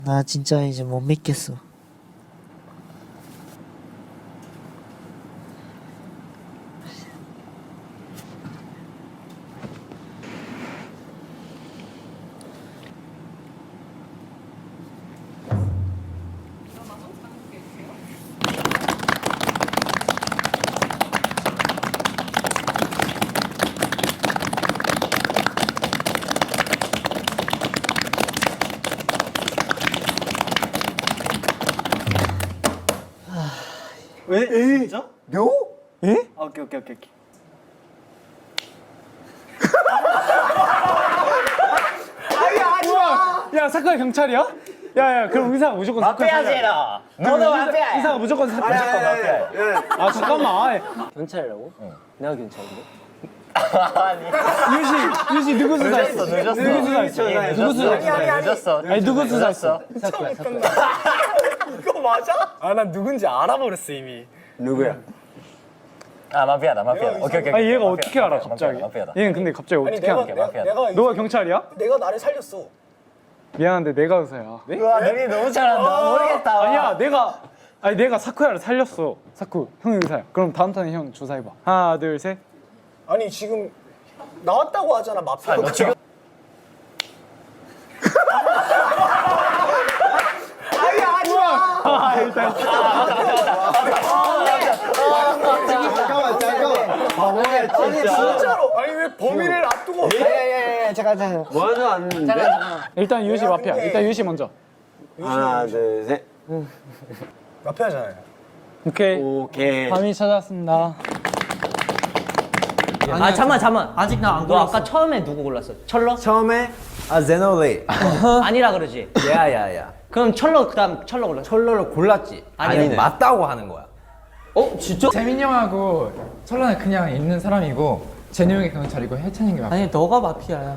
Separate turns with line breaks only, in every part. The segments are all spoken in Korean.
나 진짜 이제 못 믿겠어.
왜? 진짜?
묘?
에? 아, 오케이.
야 사쿠야 경찰이야? 야야 그럼 의사가 무조건 사쿠야
마피아지라. 너도 마피아야.
의사가 무조건 사쿠야. 아 잠깐만. 아이,
경찰이라고? 내가 경찰인데?
유시 누구 수사했어?
늦었어.
누구 수사했어? 누구 수사했어?
늦었어.
아니 누구 수사했어?
이거 맞아? 아, 난 누군지 알아버렸어 이미.
누구야?
아 마피아다. 오케이.
아니 얘가 어떻게 알아 갑자기?
마피아다.
얘는 근데 갑자기 어떻게 알아?
내가
너가 경찰이야?
내가 나를 살렸어.
미안한데 내가 의사야.
와 너희 너무 잘한다. 모르겠다.
아니야 내가 사쿠야를 살렸어. 사쿠 형이 의사야. 그럼 다음 턴에 형 조사해봐. 하나 둘 셋.
아니 지금 나왔다고 하잖아 마피아.
너 지금
아니 진짜로. 아니 왜 범인을 앞두고?
잠깐. 뭐하지 않는데?
일단 유시 마피아. 일단 유시 먼저.
하나, 둘, 셋.
마피아잖아요.
오케이.
오케이.
밤이 찾았습니다.
아 잠만.
아직 나 안
너
골랐어.
아까 처음에 누구 골랐어? 철러?
처음에 제노레이.
아니라 그러지.
야야야.
그럼 철러 그다음 철러 골랐어.
철러를 골랐지.
아니네.
맞다고 하는 거야.
진짜?
재민이 형하고 철러는 그냥 있는 사람이고 제니 형이 경찰이고 해찬이 형이 마피아.
아니 너가 마피아야.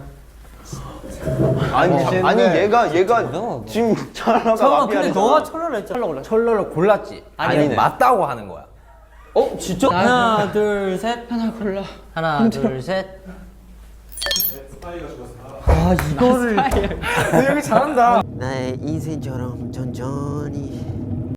아니 얘가 지금 철러가
잠깐만 근데 너가 철러를 했잖아.
철러 골랐어.
철러를 골랐지.
아니네.
맞다고 하는 거야.
진짜?
하나 둘 셋. 하나 골라.
하나 둘 셋.
아 이거를.
너 여기 잘한다.
나의 인생처럼 천천히